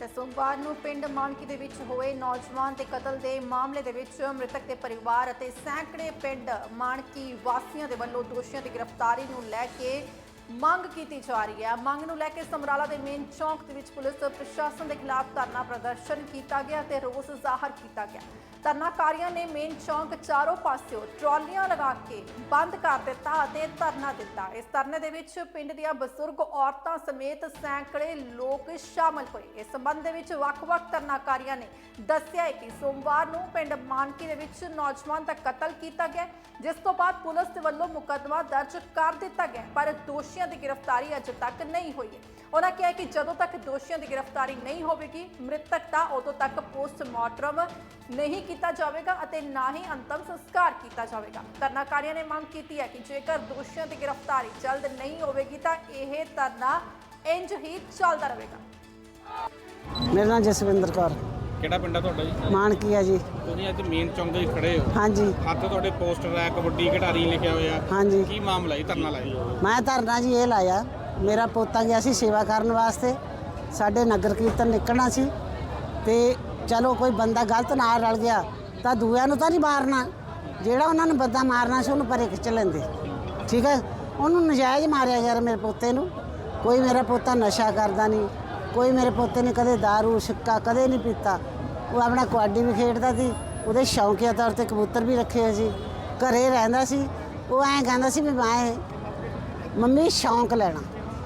ਤੇ ਸੋਮਵਾਰ ਨੂੰ ਪਿੰਡ ਮਾਨਕੀ ਦੇ ਵਿੱਚ ਹੋਏ ਨੌਜਵਾਨ ਦੇ ਕਤਲ ਦੇ ਮਾਮਲੇ ਦੇ ਵਿੱਚ ਮ੍ਰਿਤਕ ਦੇ ਪਰਿਵਾਰ ਅਤੇ ਸੈਂਕੜੇ ਪਿੰਡ ਮਾਨਕੀ ਵਾਸੀਆਂ ਦੇ ਵੱਲੋਂ ਦੋਸ਼ੀਆਂ ਦੀ ਗ੍ਰਿਫਤਾਰੀ ਨੂੰ ਲੈ ਕੇ ਮੰਗ ਕੀਤੀ ਜਾ ਰਹੀ ਹੈ। ਮੰਗ ਨੂੰ ਲੈ ਕੇ ਸਮਰਾਲਾ ਦੇ ਮੇਨ ਚੌਂਕ ਦੇ ਵਿੱਚ ਪੁਲਿਸ ਪ੍ਰਸ਼ਾਸਨ ਦੇ ਖਿਲਾਫ ਧਰਨਾ ਪ੍ਰਦਰਸ਼ਨ ਕੀਤਾ ਗਿਆ ਤੇ ਰੋਸ ਜ਼ਾਹਰ ਕੀਤਾ ਗਿਆ। ਧਰਨਾਕਾਰੀਆਂ ਨੇ ਮੇਨ ਚੌਂਕ ਚਾਰੋਂ ਪਾਸਿਓਂ ਟਰਾਲੀਆਂ ਲਗਾ ਕੇ ਬੰਦ ਕਰ ਦਿੱਤਾ ਅਤੇ ਧਰਨਾ ਦਿੱਤਾ। ਇਸ ਧਰਨੇ ਦੇ ਵਿੱਚ ਪਿੰਡ ਦੀਆਂ ਬਜ਼ੁਰਗ ਔਰਤਾਂ ਸਮੇਤ ਸੈਂਕੜੇ ਲੋਕ ਸ਼ਾਮਲ ਹੋਏ। ਇਸ ਸੰਬੰਧ ਦੇ ਵਿੱਚ ਵੱਖ-ਵੱਖ ਧਰਨਾਕਾਰੀਆਂ ਨੇ ਦੱਸਿਆ ਹੈ ਕਿ ਸੋਮਵਾਰ ਨੂੰ ਪਿੰਡ ਮਾਨਕੀ ਦੇ ਵਿੱਚ ਨੌਜਵਾਨ ਦਾ ਕਤਲ ਕੀਤਾ ਗਿਆ, ਜਿਸ ਤੋਂ ਬਾਅਦ ਪੁਲਿਸ ਦੇ ਵੱਲੋਂ ਮੁਕੱਦਮਾ ਦਰਜ ਕਰ ਦਿੱਤਾ ਗਿਆ, ਪਰ ਦੋਸ਼ੀਆਂ ਦੀ ਗ੍ਰਿਫਤਾਰੀ ਅਜੇ ਤੱਕ ਨਹੀਂ ਹੋਈ ਹੈ। ਉਹਨਾਂ ਕਿਹਾ ਕਿ ਜਦੋਂ ਤੱਕ ਦੋਸ਼ੀਆਂ ਦੀ ਗ੍ਰਿਫਤਾਰੀ ਨਹੀਂ ਹੋਵੇਗੀ, ਮ੍ਰਿਤਕ ਦਾ ਉਦੋਂ ਤੱਕ ਪੋਸਟਮਾਰਟਮ ਨਹੀਂ ਕੀਤਾ ਜਾਵੇਗਾ ਅਤੇ ਨਾ ਹੀ ਅੰਤਮ ਸੰਸਕਾਰ ਕੀਤਾ ਜਾਵੇਗਾ। ਧਰਨਾਕਾਰੀਆਂ ਨੇ ਮੰਗ ਕੀਤੀ ਹੈ ਕਿ ਜੇਕਰ ਦੋਸ਼ੀਆਂ ਦੀ ਗ੍ਰਿਫਤਾਰੀ ਜਲਦ ਨਹੀਂ ਹੋਵੇਗੀ ਤਾਂ ਇਹ ਧਰਨਾ ਇੰਜ ਹੀ ਚੱਲਦਾ ਰਹੇਗਾ। ਮੇਰਾ ਨਾਮ ਜਸਵਿੰਦਰ ਕੌਰ। ਕਿਹੜਾ ਪਿੰਡ ਆ ਤੁਹਾਡਾ ਜੀ? ਮਾਨਕੀ ਆ ਜੀ। ਤੁਸੀਂ ਅੱਜ ਮੇਨ ਚੌਂਕ ਦੇ ਖੜੇ ਹੋ। ਹਾਂਜੀ ਹੱਥ ਤੁਹਾਡੇ ਪੋਸਟਰ ਹੈ, ਕਬੱਡੀ ਖਿਡਾਰੀ ਲਿਖਿਆ ਹੋਇਆ। ਹਾਂਜੀ। ਕੀ ਮਾਮਲਾ ਜੀ? ਧਰਨਾ ਲਾਇਆ। ਮੈਂ ਧਰਨਾ ਜੀ ਇਹ ਲਾਇਆ, ਮੇਰਾ ਪੋਤਾ ਗਿਆ ਸੀ ਸੇਵਾ ਕਰਨ ਵਾਸਤੇ, ਸਾਡੇ ਨਗਰ ਕੀਰਤਨ ਨਿਕਲਣਾ ਸੀ ਤੇ ਚਲੋ ਕੋਈ ਬੰਦਾ ਗਲਤ ਨਾਲ ਰਲ ਗਿਆ ਤਾਂ ਦੂਜਿਆਂ ਨੂੰ ਤਾਂ ਨਹੀਂ ਮਾਰਨਾ, ਜਿਹੜਾ ਉਹਨਾਂ ਨੂੰ ਬੰਦਾ ਮਾਰਨਾ ਸੀ ਉਹਨੂੰ ਪਰੇ ਖਿੱਚ ਲੈਂਦੇ। ਠੀਕ ਹੈ, ਉਹਨੂੰ ਨਜਾਇਜ਼ ਮਾਰਿਆ ਯਾਰ ਮੇਰੇ ਪੋਤੇ ਨੂੰ। ਕੋਈ ਮੇਰਾ ਪੋਤਾ ਨਸ਼ਾ ਕਰਦਾ ਨਹੀਂ, ਕੋਈ ਮੇਰੇ ਪੋਤੇ ਨੇ ਕਦੇ ਦਾਰੂ ਸਿੱਕਾ ਕਦੇ ਨਹੀਂ ਪੀਤਾ। ਉਹ ਆਪਣਾ ਕਬੱਡੀ ਵੀ ਖੇਡਦਾ ਸੀ, ਉਹਦੇ ਸ਼ੌਂਕੀਆ ਤੌਰ ਤੇ ਕਬੂਤਰ ਵੀ ਰੱਖੇ ਹੋਏ ਸੀ, ਘਰੇ ਰਹਿੰਦਾ ਸੀ। ਉਹ ਐਂ ਕਹਿੰਦਾ ਸੀ ਵੀ ਮੈਂ ਮੰਮੀ ਸ਼ੌਂਕ ਲੈਣਾ,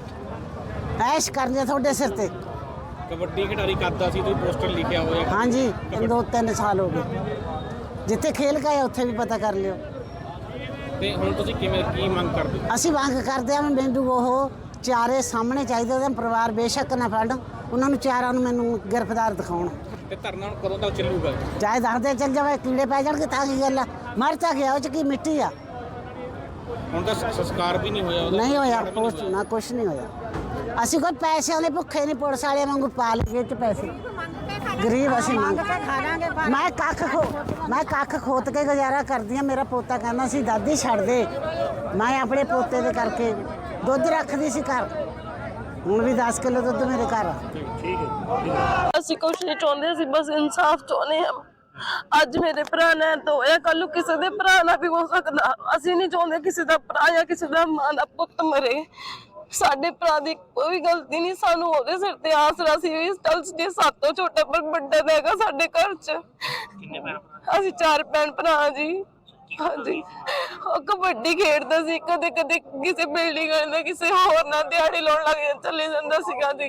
ਐਸ਼ ਕਰਨੀ ਤੁਹਾਡੇ ਸਿਰ ਤੇ। ਕਬੱਡੀ ਖਿਡਾਰੀ ਕਰਦਾ ਸੀ, ਤੁਸੀਂ ਪੋਸਟਰ ਲਿਖਿਆ ਹੋਇਆ। ਹਾਂਜੀ 2-3 ਸਾਲ ਹੋ ਗਏ, ਜਿੱਥੇ ਖੇਲ ਕੇ ਆਏ ਉੱਥੇ ਵੀ ਪਤਾ ਕਰ ਲਿਓ। ਤੇ ਹੁਣ ਤੁਸੀਂ ਕੀ ਮੰਗ ਕਰਦੇ ਹੋ? ਅਸੀਂ ਮੰਗ ਕਰਦੇ ਹਾਂ ਮੈਨੂੰ ਉਹ ਚਾਰੇ ਸਾਹਮਣੇ ਚਾਹੀਦੇ, ਉਹਦਾ ਪਰਿਵਾਰ ਬੇਸ਼ੱਕ ਨਾ ਫੜਨ, ਉਹਨਾਂ ਨੂੰ ਚਾਰਾਂ ਨੂੰ ਮੈਨੂੰ ਗ੍ਰਿਫਤਾਰ ਦਿਖਾਉਣ। ਤੇ ਧਰਨਾ ਕਦੋਂ ਤੱਕ ਚੱਲੂਗਾ? ਚਾਹੇ ਦੱਸਦੇ ਚੱਲ ਜਾਵੇ, ਕੀੜੇ ਪੈ ਜਾਣਗੇ ਤਾਂ ਕੀ ਗੱਲ ਆ, ਮਰ ਤਾਂ ਗਿਆ ਉਹ ਚ ਕੀ ਮਿੱਟੀ ਆ। ਹੁਣ ਤਾਂ ਸੰਸਕਾਰ ਵੀ ਨਹੀਂ ਹੋਇਆ ਉਹਦਾ? ਨਹੀਂ ਹੋਇਆ, ਕੁਛ ਨਾ ਕੁਛ ਨਹੀਂ ਹੋਇਆ। ਅਸੀਂ ਕੋਈ ਪੈਸਿਆਂ ਦੇ ਭੁੱਖੇ ਨਹੀਂ, ਪੁਲਿਸ ਵਾਲਿਆਂ ਵਾਂਗੂ ਪਾ ਲਈਏ ਚ ਪੈਸੇ, ਗਰੀਬ ਅਸੀਂ ਮੰਗ ਕੇ ਖਾ ਲਾਂਗੇ। ਮੈਂ ਕੱਖ ਖੋਤ ਕੇ ਗੁਜ਼ਾਰਾ ਕਰਦੀ ਹਾਂ। ਮੇਰਾ ਪੋਤਾ ਕਹਿੰਦਾ ਸੀ ਦਾਦੀ ਛੱਡ ਦੇ, ਮੈਂ ਆਪਣੇ ਪੋਤੇ ਦੇ ਕਰਕੇ ਦੁੱਧ ਰੱਖਦੀ ਸੀ ਘਰ, ਹੁਣ ਵੀ 10 ਕਿਲੋ ਦੁੱਧ ਮੇਰੇ ਘਰ ਆ। ਠੀਕ ਹੈ। ਅਸੀਂ ਕੁਛ ਨਹੀਂ ਚਾਹੁੰਦੇ, ਅਸੀਂ ਬਸ ਇਨਸਾਫ ਚਾਹੁੰਦੇ ਹਾਂ। ਅੱਜ ਮੇਰੇ ਭਰਾ ਨੇ ਤਾਂ ਹੋਇਆ, ਕੱਲ ਨੂੰ ਕਿਸੇ ਦੇ ਭਰਾ ਨਾਲ ਵੀ ਹੋ ਸਕਦਾ। ਅਸੀਂ ਨਹੀਂ ਚਾਹੁੰਦੇ ਕਿਸੇ ਦਾ ਭਰਾ ਜਾਂ ਕਿਸੇ ਦਾ ਮਾਂ ਦਾ ਪੁੱਤ ਮਰੇ। ਸਾਡੇ ਭਰਾ ਦੀ ਕੋਈ ਗਲਤੀ ਨਹੀਂ, ਸਾਨੂੰ ਉਹਦੇ ਸਿਰ ਤੇ ਆਸਰਾ ਸੀ ਵੀ ਚੱਲ ਜੇ ਸਾਤੋਂ ਛੋਟਾ ਪਰ ਵੱਡਾ ਹੈਗਾ ਸਾਡੇ ਘਰ 'ਚ। ਅਸੀਂ 4 ਭੈਣ ਭਰਾ ਜੀ। ਹਾਂਜੀ, ਉਹ ਕਬੱਡੀ ਖੇਡਦਾ ਸੀ, ਕਦੇ ਕਦੇ ਕਿਸੇ ਬਿਲਡਿੰਗ ਨਾਲ ਕਿਸੇ ਹੋਰ ਨਾਲ ਦਿਹਾੜੀ ਲਾਉਣ ਲੱਗ ਚਲੇ ਜਾਂਦਾ ਸੀਗਾ ਜੀ।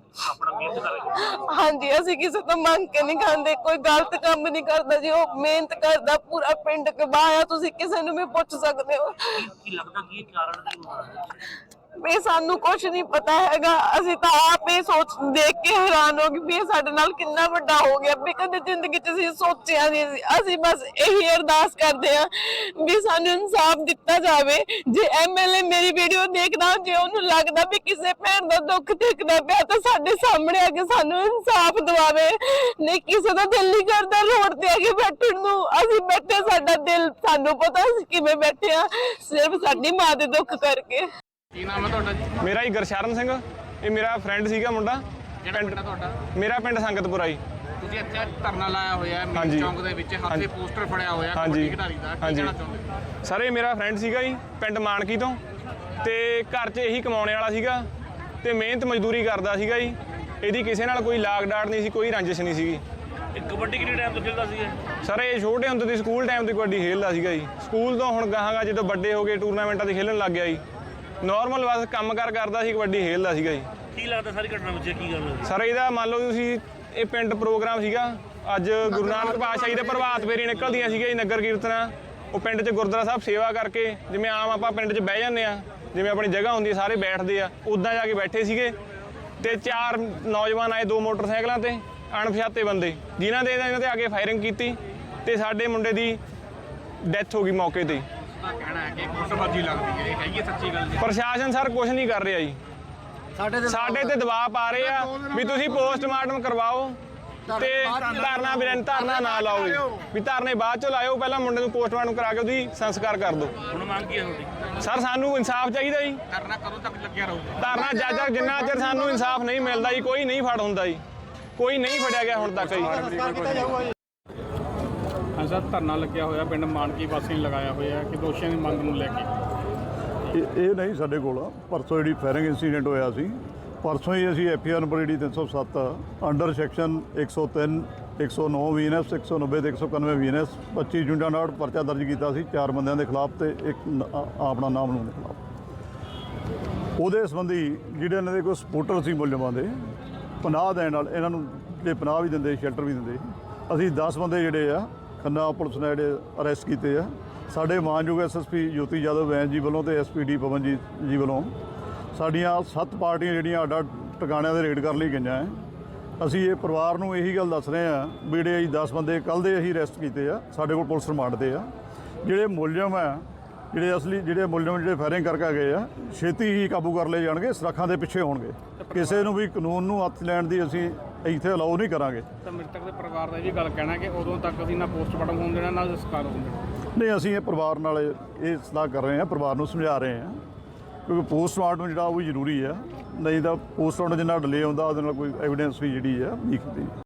ਹਾਂਜੀ, ਅਸੀਂ ਕਿਸੇ ਤੋਂ ਮੰਗ ਕੇ ਨਹੀਂ ਖਾਂਦੇ, ਕੋਈ ਗਲਤ ਕੰਮ ਨਹੀਂ ਕਰਦਾ ਜੀ। ਉਹ ਮਿਹਨਤ ਕਰਦਾ, ਪੂਰਾ ਪਿੰਡ ਕਬਾਇਆ, ਤੁਸੀਂ ਕਿਸੇ ਨੂੰ ਵੀ ਪੁੱਛ ਸਕਦੇ ਹੋ। ਕੀ ਲੱਗਦਾ ਕੀ ਕਾਰਨ ਕੀ? ਵੀ ਸਾਨੂੰ ਕੁਛ ਨਹੀਂ ਪਤਾ ਹੈਗਾ, ਅਸੀਂ ਤਾਂ ਆਪ ਇਹ ਸੋਚ ਦੇਖ ਕੇ ਹੈਰਾਨ ਹੋ ਗਏ ਵੀ ਇਹ ਸਾਡੇ ਨਾਲ ਕਿੰਨਾ ਵੱਡਾ ਹੋ ਗਿਆ ਵੀ ਕਦੇ ਜ਼ਿੰਦਗੀ 'ਚ ਅਸੀਂ ਸੋਚਿਆ ਨਹੀਂ ਸੀ। ਅਸੀਂ ਬਸ ਇਹੀ ਅਰਦਾਸ ਕਰਦੇ ਹਾਂ ਵੀ ਸਾਨੂੰ ਇਨਸਾਫ ਦਿੱਤਾ ਜਾਵੇ। ਜੇ ਐਮਐਲਏ ਮੇਰੀ ਵੀਡੀਓ ਦੇਖਦਾ, ਜੇ ਉਹਨੂੰ ਲੱਗਦਾ ਵੀ ਕਿਸੇ ਭੈਣ ਦਾ ਦੁੱਖ ਦੇਖਦਾ ਪਿਆ ਤਾਂ ਸਾਡੇ ਸਾਹਮਣੇ ਆ ਕੇ ਸਾਨੂੰ ਇਨਸਾਫ ਦਿਵਾਵੇ। ਨਹੀਂ ਕਿਸੇ ਦਾ ਦਿਲ ਨਹੀਂ ਕਰਦਾ ਰੋਡ ਤੇ ਆ ਕੇ ਬੈਠਣ ਨੂੰ, ਅਸੀਂ ਬੈਠੇ, ਸਾਡਾ ਦਿਲ, ਸਾਨੂੰ ਪਤਾ ਅਸੀਂ ਕਿਵੇਂ ਬੈਠੇ ਆ, ਸਿਰਫ ਸਾਡੀ ਮਾਂ ਦੇ ਦੁੱਖ ਕਰਕੇ। ਕੀ ਨਾਮ ਹੈ ਤੁਹਾਡਾ ਜੀ? ਮੇਰਾ ਜੀ ਗੁਰਸ਼ਰਨ ਸਿੰਘ, ਇਹ ਮੇਰਾ ਫਰੈਂਡ ਸੀਗਾ ਮੁੰਡਾ। ਕਿਹੜਾ ਪਿੰਡ ਆ ਤੁਹਾਡਾ? ਮੇਰਾ ਪਿੰਡ ਸੰਗਤਪੁਰਾ ਜੀ। ਤੁਸੀਂ ਇੱਥੇ ਧਰਨਾ ਲਾਇਆ ਹੋਇਆ ਹੈ ਮੇਨ ਚੌਂਕ ਦੇ ਵਿੱਚ, ਹੱਥ ਤੇ ਪੋਸਟਰ ਫੜਿਆ ਹੋਇਆ ਕਬੱਡੀ ਖਿਡਾਰੀ ਦਾ, ਕੀ ਕਹਿਣਾ ਚਾਹੁੰਦੇ? ਸਰ ਇਹ ਮੇਰਾ ਫਰੈਂਡ ਸੀਗਾ ਜੀ, ਪਿੰਡ ਮਾਨਕੀ ਤੋਂ, ਤੇ ਘਰ 'ਚ ਇਹੀ ਕਮਾਉਣੇ ਵਾਲਾ ਸੀਗਾ ਤੇ ਮਿਹਨਤ ਮਜ਼ਦੂਰੀ ਕਰਦਾ ਸੀਗਾ ਜੀ। ਇਹਦੀ ਕਿਸੇ ਨਾਲ ਕੋਈ ਲਾਗ ਡਾਟ ਨਹੀਂ ਸੀ, ਕੋਈ ਰੰਜਿਸ਼ ਨਹੀਂ ਸੀਗੀ। ਇਹ ਕਬੱਡੀ ਕਿੰਨੇ ਟਾਈਮ ਤੋਂ ਖੇਡਦਾ ਸੀ? ਸਰ ਇਹ ਛੋਟੇ ਹੁੰਦੇ ਦੀ ਸਕੂਲ ਟਾਈਮ ਤੋਂ ਕਬੱਡੀ ਖੇਡਦਾ ਸੀਗਾ ਜੀ। ਸਕੂਲ ਤੋਂ ਹੁਣ ਗਾਹਾਂਗਾ ਜਦੋਂ ਵੱਡੇ ਹੋ ਗਏ ਟੂਰਨਾਮੈਂਟਾਂ 'ਤੇ ਖੇਡਣ ਲੱਗ ਗਿਆ ਜੀ। ਨਾਰਮਲ ਬਸ ਕੰਮ ਕਰਦਾ ਸੀ, ਕਬੱਡੀ ਖੇਡਦਾ ਸੀਗਾ ਜੀ। ਕੀ ਲੱਗਦਾ ਸਾਰੀ ਘਟਨਾ ਵਿੱਚ ਕੀ ਗੱਲ ਹੈ? ਸਰ ਇਹਦਾ ਮੰਨ ਲਓ ਤੁਸੀਂ, ਇਹ ਪਿੰਡ ਪ੍ਰੋਗਰਾਮ ਸੀਗਾ ਅੱਜ, ਗੁਰੂ ਨਾਨਕ ਪਾਤਸ਼ਾਹ ਜੀ ਦੇ ਪ੍ਰਭਾਤ ਫੇਰੀ ਨਿਕਲਦੀਆਂ ਸੀਗੀਆਂ ਜੀ, ਨਗਰ ਕੀਰਤਨਾਂ। ਉਹ ਪਿੰਡ 'ਚ ਗੁਰਦੁਆਰਾ ਸਾਹਿਬ ਸੇਵਾ ਕਰਕੇ, ਜਿਵੇਂ ਆਮ ਆਪਾਂ ਪਿੰਡ 'ਚ ਬਹਿ ਜਾਂਦੇ ਆ, ਜਿਵੇਂ ਆਪਣੀ ਜਗ੍ਹਾ ਹੁੰਦੀ ਹੈ ਸਾਰੇ ਬੈਠਦੇ ਆ, ਉੱਦਾਂ ਜਾ ਕੇ ਬੈਠੇ ਸੀਗੇ ਤੇ 4 ਨੌਜਵਾਨ ਆਏ 2 ਮੋਟਰਸਾਈਕਲਾਂ ਤੇ, ਅਣਪਛਾਤੇ ਬੰਦੇ, ਜਿਨ੍ਹਾਂ ਦੇ ਇਹਨਾਂ ਤੇ ਆ ਕੇ ਫਾਇਰਿੰਗ ਕੀਤੀ ਤੇ ਸਾਡੇ ਮੁੰਡੇ ਦੀ ਡੈਥ ਹੋ ਗਈ ਮੌਕੇ ਤੇ। ਕਹਿਣਾ ਹੈ ਕਿ ਗੁੱਟਬਾਜ਼ੀ ਲੱਗਦੀ ਹੈ, ਇਹ ਕਹੀਏ ਸੱਚੀ ਗੱਲ ਜੀ? ਪ੍ਰਸ਼ਾਸਨ ਸਰ ਕੁਝ ਨਹੀਂ ਕਰ ਰਿਹਾ ਜੀ, ਸਾਡੇ ਤੇ ਦਬਾਅ ਪਾ ਰਹੇ ਆ ਵੀ ਤੁਸੀਂ ਪੋਸਟਮਾਰਟਮ ਕਰਵਾਓ ਤੇ ਧਰਨਾ ਨਾ ਲਾਓ ਜੀ, ਵੀ ਧਰਨੇ ਬਾਅਦ ਚੋਂ ਲਾਇਓ, ਪਹਿਲਾਂ ਮੁੰਡੇ ਨੂੰ ਪੋਸਟਮਾਰਟਮ ਕਰਾ ਕੇ ਉਹਦੀ ਸੰਸਕਾਰ ਕਰ ਦਿਓ। ਹੁਣ ਮੰਗ ਕੀ ਹੈ ਤੁਹਾਡੀ? ਸਰ ਸਾਨੂੰ ਇਨਸਾਫ ਚਾਹੀਦਾ ਜੀ। ਧਰਨਾ ਕਦੋਂ ਤੱਕ ਲੱਗਿਆ ਰਹੂਗਾ? ਧਰਨਾ ਜਦ ਤੱਕ ਜਿੰਨਾ ਚਿਰ ਸਾਨੂੰ ਇਨਸਾਫ ਨਹੀਂ ਮਿਲਦਾ ਜੀ, ਕੋਈ ਨਹੀਂ ਫੜ ਹੁੰਦਾ ਜੀ। ਕੋਈ ਨਹੀਂ ਫੜਿਆ ਗਿਆ ਹੁਣ ਤੱਕ ਜੀ। ਹਾਂ ਸਰ, ਧਰਨਾ ਲੱਗਿਆ ਹੋਇਆ ਪਿੰਡ ਮਾਨਕੀ ਵਾਸੀ ਨੇ ਲਗਾਇਆ ਹੋਇਆ ਕਿ ਦੋਸ਼ੀਆਂ ਦੀ ਮੰਗ ਨੂੰ ਲੈ ਕੇ। ਇਹ ਨਹੀਂ ਸਾਡੇ ਕੋਲ ਪਰਸੋਂ ਜਿਹੜੀ ਫਾਇਰਿੰਗ ਇੰਸੀਡੈਂਟ ਹੋਇਆ ਸੀ, ਪਰਸੋਂ ਹੀ ਅਸੀਂ ਐਫਆਈਆਰ ਨੰਬਰ ਜਿਹੜੀ 307 ਅੰਡਰ ਸੈਕਸ਼ਨ 103 109 ਵੀਐਨਐਸ 190 ਤੇ 191 ਵੀਐਨਐਸ 25 ਜੁੰਡਾ ਨਾਲ ਪਰਚਾ ਦਰਜ ਕੀਤਾ ਸੀ 4 ਬੰਦਿਆਂ ਦੇ ਖਿਲਾਫ ਤੇ ਇੱਕ ਆਪਣਾ ਨਾਮ ਨੂੰ ਦੇ ਖਿਲਾਫ। ਉਹਦੇ ਸੰਬੰਧੀ ਜਿਹੜੇ ਇਹਨਾਂ ਦੇ ਕੋਈ ਸਪੋਰਟਰ ਸੀ ਮੁਲਜ਼ਮਾਂ ਦੇ ਪਨਾਹ ਦੇਣ ਨਾਲ ਇਹਨਾਂ ਨੂੰ ਜਿਹੜੇ ਪਨਾਹ ਵੀ ਦਿੰਦੇ ਸ਼ੈਲਟਰ ਵੀ ਦਿੰਦੇ, ਅਸੀਂ 10 ਬੰਦੇ ਜਿਹੜੇ ਆ ਖੰਨਾ ਪੁਲਿਸ ਨੇ ਜਿਹੜੇ ਅਰੈਸਟ ਕੀਤੇ ਆ। ਸਾਡੇ ਮਾਨਯੋਗ ਐਸਐਸਪੀ ਜੋਤੀ ਯਾਦਵ ਵੈਨ ਜੀ ਵੱਲੋਂ ਤੇ ਐਸਪੀਡੀ ਪਵਨਜੀਤ ਜੀ ਵੱਲੋਂ ਸਾਡੀਆਂ 7 ਪਾਰਟੀਆਂ ਜਿਹੜੀਆਂ ਅੱਡ ਟਿਕਾਣਿਆਂ ਦੇ ਰੇਡ ਕਰ ਲਈ ਗਈਆਂ ਹੈ। ਅਸੀਂ ਇਹ ਪਰਿਵਾਰ ਨੂੰ ਇਹੀ ਗੱਲ ਦੱਸ ਰਹੇ ਹਾਂ ਵੀ ਜਿਹੜੇ ਅਸੀਂ 10 ਬੰਦੇ ਕੱਲ੍ਹ ਦੇ ਅਸੀਂ ਅਰੈਸਟ ਕੀਤੇ ਆ, ਸਾਡੇ ਕੋਲ ਪੁਲਿਸ ਰਿਮਾਂਡ ਤੇ ਆ। ਜਿਹੜੇ ਮੁਲਜ਼ਮ ਆ, ਜਿਹੜੇ ਅਸਲੀ ਜਿਹੜੇ ਮੁਲਜ਼ਮ ਜਿਹੜੇ ਫਾਇਰਿੰਗ ਕਰਕੇ ਗਏ ਆ, ਛੇਤੀ ਹੀ ਕਾਬੂ ਕਰ ਲਏ ਜਾਣਗੇ, ਸੁਰੱਖਾਂ ਦੇ ਪਿੱਛੇ ਹੋਣਗੇ। ਕਿਸੇ ਨੂੰ ਵੀ ਕਾਨੂੰਨ ਨੂੰ ਹੱਥ ਲੈਣ ਦੀ ਅਸੀਂ ਇੱਥੇ ਅਲਾਓ ਨਹੀਂ ਕਰਾਂਗੇ। ਤਾਂ ਮ੍ਰਿਤਕ ਦੇ ਪਰਿਵਾਰ ਦਾ ਇਹ ਵੀ ਗੱਲ ਕਹਿਣਾ ਕਿ ਉਦੋਂ ਤੱਕ ਅਸੀਂ ਨਾ ਪੋਸਟਮਾਰਟਮ ਹੋਣ ਦੇਣਾ ਨਾ ਸੰਸਕਾਰ ਹੋਣ ਦੇਣਾ। ਨਹੀਂ, ਅਸੀਂ ਇਹ ਪਰਿਵਾਰ ਨਾਲ ਇਹ ਸਲਾਹ ਕਰ ਰਹੇ ਹਾਂ, ਪਰਿਵਾਰ ਨੂੰ ਸਮਝਾ ਰਹੇ ਹਾਂ, ਕਿਉਂਕਿ ਪੋਸਟਮਾਰਟਮ ਜਿਹੜਾ ਉਹ ਵੀ ਜ਼ਰੂਰੀ ਆ। ਨਹੀਂ ਤਾਂ ਪੋਸਟਮਾਰਟਮ ਜਿੰਨਾ ਡਿਲੇ ਹੁੰਦਾ ਉਹਦੇ ਨਾਲ ਕੋਈ ਐਵੀਡੈਂਸ ਵੀ ਜਿਹੜੀ ਆ ਵੀਕ ਹੁੰਦੀ ਹੈ।